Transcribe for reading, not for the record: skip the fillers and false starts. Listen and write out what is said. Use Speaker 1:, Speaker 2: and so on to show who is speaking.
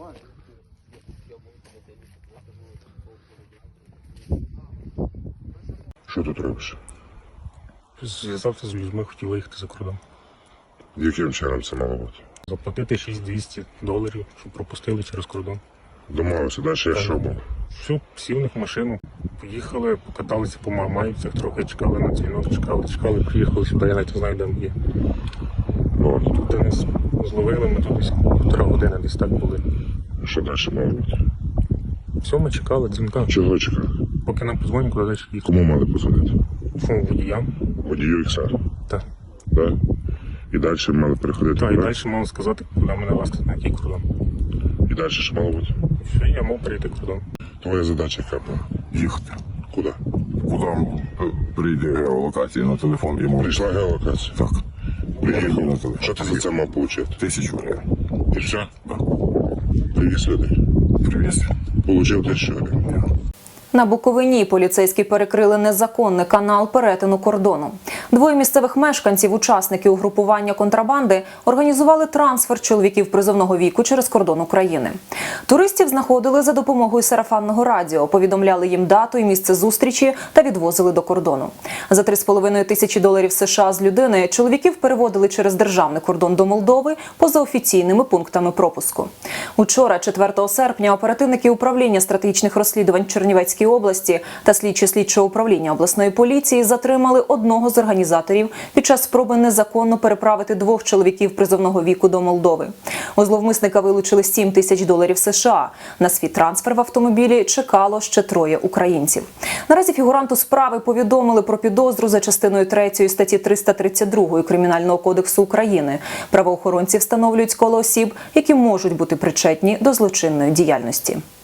Speaker 1: Що тут робиш?
Speaker 2: Зв'язався з людьми, хотів виїхати за кордон.
Speaker 1: Яким чином це мало бути?
Speaker 2: Заплатити $6200, щоб пропустили через кордон.
Speaker 1: Домовився, далі я що був?
Speaker 2: Все, сів в них в машину, поїхали, покаталися по Мармаївцях, трохи чекали на дзвінок, чекали, приїхали сюди, я навіть не знаю, де ми є.
Speaker 1: Ну,
Speaker 2: Тут нас зловили, ми тут десь 1,5 години десь так були.
Speaker 1: що далі мало бути?
Speaker 2: Все, ми чекали дзвінка.
Speaker 1: Чого чекав?
Speaker 2: Поки нам подзвонять, куди далі їхати.
Speaker 1: Кому мали позвонити?
Speaker 2: Водіям.
Speaker 1: Водію XR?
Speaker 2: Так.
Speaker 1: Так? І далі мали переходити?
Speaker 2: Так, і далі мали сказати, куди мене вести, на який кордон.
Speaker 1: І далі що мало бути?
Speaker 2: Все, я мав перейти кордон.
Speaker 1: Твоя задача яка була?
Speaker 3: Їхати.
Speaker 1: Куди?
Speaker 3: Куди прийде геолокація на телефон йому?
Speaker 1: Прийшла геолокація?
Speaker 3: Так.
Speaker 1: Приїхав.
Speaker 3: На телефон.
Speaker 1: Що ти за це мав отримати?
Speaker 3: 1000 гривень.
Speaker 1: І все?
Speaker 3: Так.
Speaker 1: Привіз людей.
Speaker 3: Привіз.
Speaker 1: Получив 1000 гривень.
Speaker 4: На Буковині поліцейські перекрили незаконний канал перетину кордону. Двоє місцевих мешканців, учасники угрупування контрабанди, організували трансфер чоловіків призовного віку через кордон України. Туристів знаходили за допомогою сарафанного радіо, повідомляли їм дату і місце зустрічі та відвозили до кордону. За $3,5 тисячі США з людини чоловіків переводили через державний кордон до Молдови поза офіційними пунктами пропуску. Учора, 4 серпня, оперативники управління стратегічних розслідувань Чернівецької області та слідчі слідчого управління обласної поліції затримали одного з організаторів під час спроби незаконно переправити 2 чоловіків призовного віку до Молдови. У зловмисника вилучили $7 тисяч США. На свій трансфер в автомобілі чекало ще 3 українців. Наразі фігуранту справи повідомили про підозру за частиною 3 статті 332 Кримінального кодексу України. Правоохоронці встановлюють коло осіб, які можуть бути причетні до злочинної діяльності.